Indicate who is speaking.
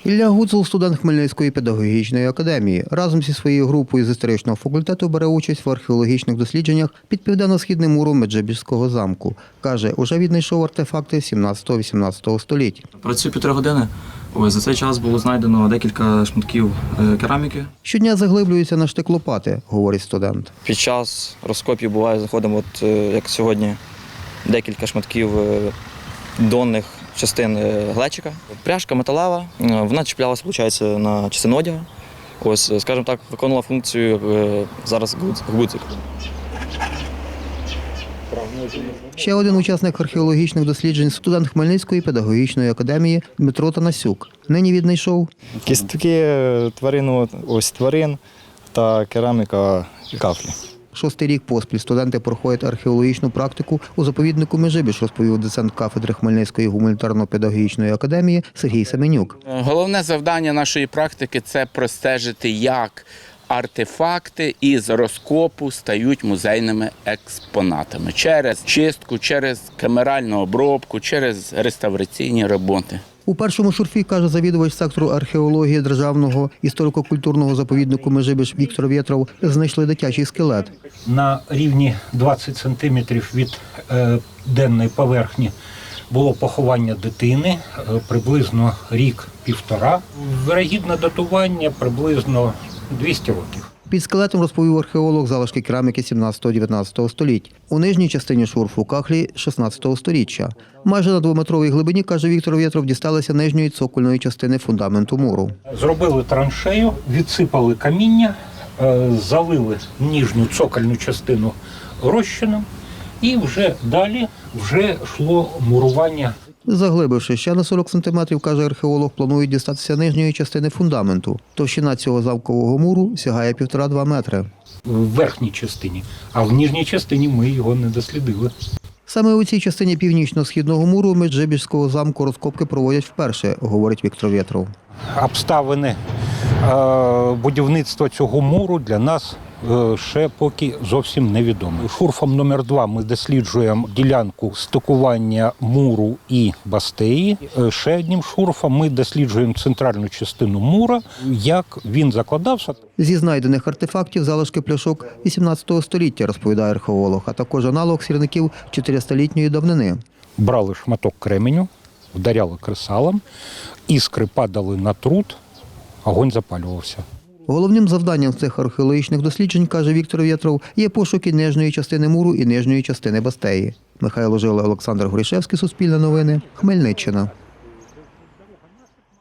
Speaker 1: Ілля Гуцул – студент Хмельницької педагогічної академії. Разом зі своєю групою з історичного факультету бере участь в археологічних дослідженнях під південно-східним муром Меджибіжського замку. Каже, уже віднайшов артефакти 17-18 століть.
Speaker 2: Працюю 1,5 години. За цей час було знайдено декілька шматків кераміки.
Speaker 1: Щодня заглиблюється на штик лопати, говорить студент.
Speaker 2: Під час розкопів буває, заходимо, як сьогодні, декілька шматків донних частин глечика. Пряжка металева, вона чіплялася, виходить, на частину одягу. Ось, скажімо так, виконувала функцію зараз гудзик.
Speaker 1: Ще один учасник археологічних досліджень – студент Хмельницької педагогічної академії Дмитро Танасюк. Нині віднайшов
Speaker 3: кістки тварин та кераміка кафлі.
Speaker 1: 6-й рік поспіль студенти проходять археологічну практику у заповіднику Межибіж, розповів доцент кафедри Хмельницької гуманітарно-педагогічної академії Сергій Семенюк.
Speaker 4: Головне завдання нашої практики – це простежити, як артефакти із розкопу стають музейними експонатами через чистку, через камеральну обробку, через реставраційні роботи.
Speaker 1: У першому шурфі, каже завідувач сектору археології Державного історико-культурного заповіднику Межибіж Віктор Вєтров, знайшли дитячий скелет.
Speaker 5: На рівні 20 сантиметрів від денної поверхні було поховання дитини, приблизно рік-півтора. Вірогідне датування приблизно 200 років.
Speaker 1: Під скелетом, розповів археолог, залишки кераміки 17-19 століть. У нижній частині шурфу кахлі 16 сторіччя. Майже на 2-метровій глибині, каже Віктор Вєтров, дісталися нижньої цокольної частини фундаменту муру.
Speaker 5: Зробили траншею, відсипали каміння, залили нижню цокольну частину розчином і вже далі йшло мурування.
Speaker 1: Заглибивши ще на 40 сантиметрів, каже археолог, планують дістатися нижньої частини фундаменту. Товщина цього замкового муру сягає 1,5–2 метри.
Speaker 5: В верхній частині, а в нижній частині ми його не дослідили.
Speaker 1: Саме у цій частині північно-східного муру Меджибіжського замку розкопки проводять вперше, говорить Віктор Вєтров.
Speaker 5: Обставини будівництва цього муру для нас ще поки зовсім невідомі. Шурфом номер 2 ми досліджуємо ділянку стикування муру і бастеї. Ще одним шурфом ми досліджуємо центральну частину мура, як він закладався.
Speaker 1: Зі знайдених артефактів залишки пляшок 18 століття, розповідає археолог, а також аналог сірників 400-літньої давнини.
Speaker 5: Брали шматок кременю, вдаряли кресалом, іскри падали на труд, огонь запалювався.
Speaker 1: Головним завданням цих археологічних досліджень, каже Віктор Вєтров, є пошуки нижньої частини муру і нижньої частини бастеї. Михайло Жила, Олександр Горішевський, Суспільне новини, Хмельниччина.